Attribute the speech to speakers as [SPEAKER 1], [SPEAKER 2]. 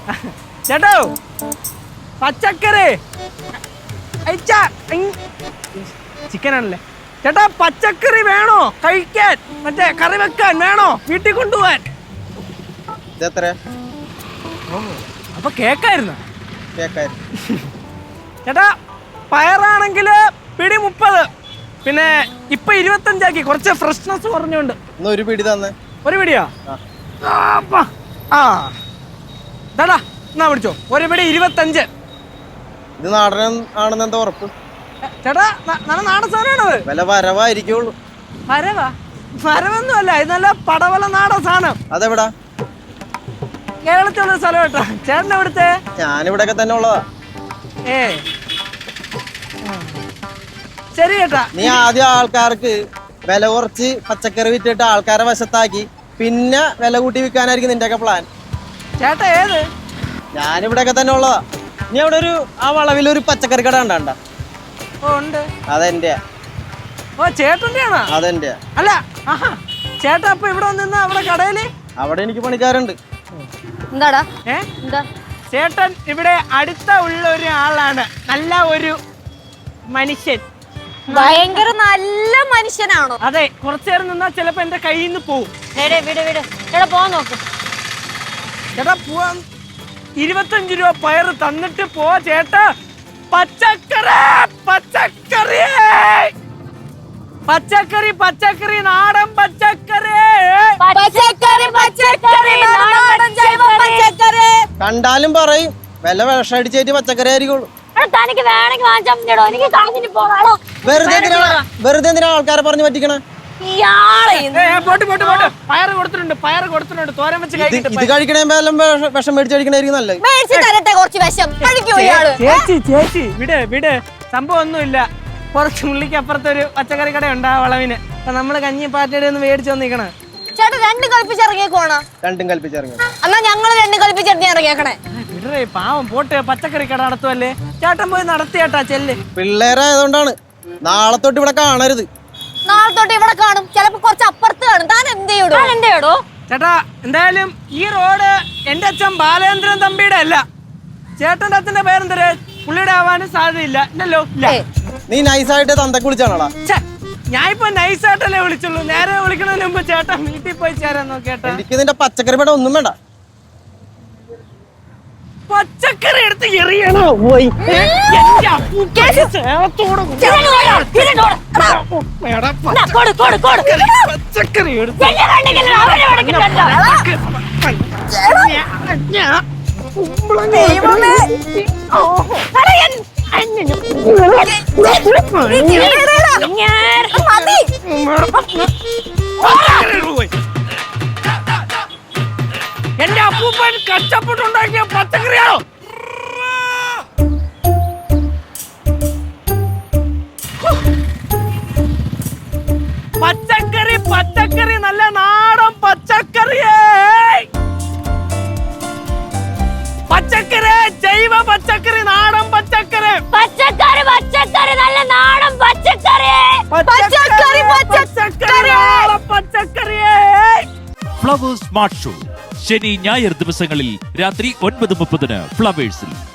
[SPEAKER 1] ചേട്ടോ പച്ചക്കറി ചിക്കൻ ആണല്ലേ ചേട്ടാ, പച്ചക്കറി വേണോ കഴിക്കാൻ? മറ്റേ കറി വെക്കാൻ വേണോ? വീട്ടിൽ കൊണ്ടുപോവാൻ. അപ്പൊ കേക്കായിരുന്നു ചേട്ടാ. പയറാണെങ്കിൽ പിടി 30, പിന്നെ ഇപ്പൊ 25 കുറച്ച് ഫ്രഷ്നെസ് പറഞ്ഞോണ്ട്.
[SPEAKER 2] ഒരു പിടി തന്നെ.
[SPEAKER 1] ഒരു പിടിയാ? ആ ചേട്ടാ എന്നാ പിടിച്ചോ. ഒരു പിടി 25.
[SPEAKER 2] ഇത് നാടൻ ആണെന്ന് എന്താ ഉറപ്പ്?
[SPEAKER 1] ചേട്ടാ നല്ല നാടൻ സാധനമാണത്.
[SPEAKER 2] വില വരവായിരിക്കുള്ളൂ.
[SPEAKER 1] വരവൊന്നും അല്ല, ഇത് നല്ല പടവല നാടൻ സാധനം.
[SPEAKER 2] അതെവിടാ?
[SPEAKER 1] കേരളത്തിലുള്ള സ്ഥലം കേട്ടോ. ചേട്ടൻ എവിടുത്തെ?
[SPEAKER 2] ഞാനിവിടെയൊക്കെ തന്നെ ഉള്ളതാ.
[SPEAKER 1] ശരി ചേട്ടാ.
[SPEAKER 2] നീ ആദ്യം ആൾക്കാർക്ക് വില കുറച്ച് പച്ചക്കറി വിറ്റിട്ട് ആൾക്കാരെ വശത്താക്കി പിന്നെ വില കൂട്ടി വിൽക്കാനായിരിക്കും നിന്റെയൊക്കെ പ്ലാൻ.
[SPEAKER 1] ചേട്ടാ ഏത്?
[SPEAKER 2] ഞാനിവിടെയൊക്കെ തന്നെ ഉള്ളതാ. നീ അവിടെ ആ വളവിലൊരു പച്ചക്കറി കട കണ്ടാ?
[SPEAKER 1] ഉണ്ട്.
[SPEAKER 2] അതെന്റെയാ.
[SPEAKER 1] ഓ ചേട്ടന്റെ ആണോ?
[SPEAKER 2] അതെന്റെയാ.
[SPEAKER 1] അല്ല ചേട്ടാ അപ്പൊ ഇവിടെ വന്നിരുന്ന അവിടെ കടയില്?
[SPEAKER 2] അവിടെ എനിക്ക് പണിക്കാരുണ്ട്.
[SPEAKER 3] എന്താടാ?
[SPEAKER 1] എന്താ ചേട്ടൻ ഇവിടെ അടുത്ത ഉള്ള ഒരു ആളാണ്, നല്ല ഒരു മനുഷ്യൻ.
[SPEAKER 3] ഭയങ്കര നല്ല മനുഷ്യനാണോ?
[SPEAKER 1] അതെ, കുറച്ചു നേരം നിന്നാ ചിലപ്പോ എന്റെ കയ്യിൽ നിന്ന് പോവും.
[SPEAKER 3] ചേട്ടാ പോവാൻ നോക്ക്.
[SPEAKER 1] ചേട്ടാ പോവാൻ 25 രൂപ പയറ് തന്നിട്ട് പോ ചേട്ടാ. പച്ചക്കറി പച്ചക്കറി പച്ചക്കറി പച്ചക്കറി നാടൻ പച്ചക്കറി
[SPEAKER 2] കണ്ടാലും പറയും വില വിഷടിച്ചേറ്റ് പച്ചക്കറി ആയിരിക്കുള്ളൂ. വെറുതെ എന്തിനാ ആൾക്കാരെ പറഞ്ഞു പറ്റിക്കണേ?
[SPEAKER 1] പയറ് കൊടുത്തിട്ടുണ്ട് തോരൻ വെച്ച്
[SPEAKER 2] ഇത് കഴിക്കണേ വിഷം മേടിച്ച് കഴിക്കണായിരിക്കും നല്ലത്.
[SPEAKER 1] ചേച്ചി വിട് സംഭവം ഒന്നുമില്ല. കുറച്ച് മുള്ളിക്ക് അപ്പുറത്തൊരു പച്ചക്കറി കട ഉണ്ട് ആ വളവിന്. അപ്പൊ നമ്മള് കഞ്ഞി പാറ്റയുടെ ഒന്ന് മേടിച്ചു വന്നിരിക്കണേ.
[SPEAKER 3] ചേട്ടാ രണ്ടും കൽപ്പിച്ചിറങ്ങിയേക്കോണോ?
[SPEAKER 2] രണ്ടും കൽപ്പിച്ചിറങ്ങി.
[SPEAKER 3] എന്നാ ഞങ്ങള് രണ്ടും കൽപ്പിച്ചിറങ്ങി ഇറങ്ങിയേക്കണേ.
[SPEAKER 1] വിടറേ പാവം, പോട്ട് പച്ചക്കറി കട നടത്തുവല്ലേ. ചേട്ടൻ പോയി നടത്തിയേട്ടാ ചെല്ല്.
[SPEAKER 2] പിള്ളേരായതുകൊണ്ടാണ്. നാളെ തൊട്ട് ഇവിടെ കാണരുത്.
[SPEAKER 3] നാളെ തൊട്ട് ഇവിടെ കാണും, ചിലപ്പോ കുറച്ച് അപ്പുറത്ത് കാണും. താൻ എന്തെയ്യോ
[SPEAKER 1] ചേട്ടാ? എന്തായാലും ഈ റോഡ് എന്റെ അച്ഛൻ ബാലേന്ദ്രൻ തമ്പിയുടെ അല്ല. ചേട്ടന്റെ അച്ഛന്റെ പേരെന്തര്? പുള്ളിയുടെ ആവാനും സാധ്യതയില്ല. ഇല്ലല്ലോ.
[SPEAKER 2] നീ നൈസായിട്ട് തന്തക്ക് വിളിച്ചാണോടാ?
[SPEAKER 1] ഞാൻ ഇപ്പൊ നൈസായിട്ടല്ലേ വിളിച്ചുള്ളൂ. നേരെ വിളിക്കുന്നതിന് മുമ്പ് ചേട്ടൻ വീട്ടിൽ പോയി ചേരാൻ നോക്കേട്ടാ.
[SPEAKER 2] എനിക്ക് നിന്റെ പച്ചക്കറി പേട ഒന്നും വേണ്ട.
[SPEAKER 1] പച്ചക്കറി എടുത്ത് എറിയണോ? പച്ചക്കറി എന്റെ അപ്പൂപ്പൻ കഷ്ടപ്പെട്ടുണ്ടാക്കിയ പച്ചക്കറിയാണോ? പച്ചക്കറി പച്ചക്കറി നല്ല നാടൻ പച്ചക്കറിയേ. പച്ചക്കറി ജൈവ പച്ചക്കറി നാടൻ പച്ചക്കറി
[SPEAKER 3] പച്ചക്കറി പച്ചക്കറി നല്ല നാടൻ പച്ചക്കറി
[SPEAKER 1] പച്ചക്കറി പച്ചക്കറി പച്ചക്കറിയേ.
[SPEAKER 4] ഫ്ലവേഴ്സ് സ്മാർട്ട് ഷോ ശനി ഞായർ ദിവസങ്ങളിൽ രാത്രി 9:30 ഫ്ലവേഴ്സിൽ.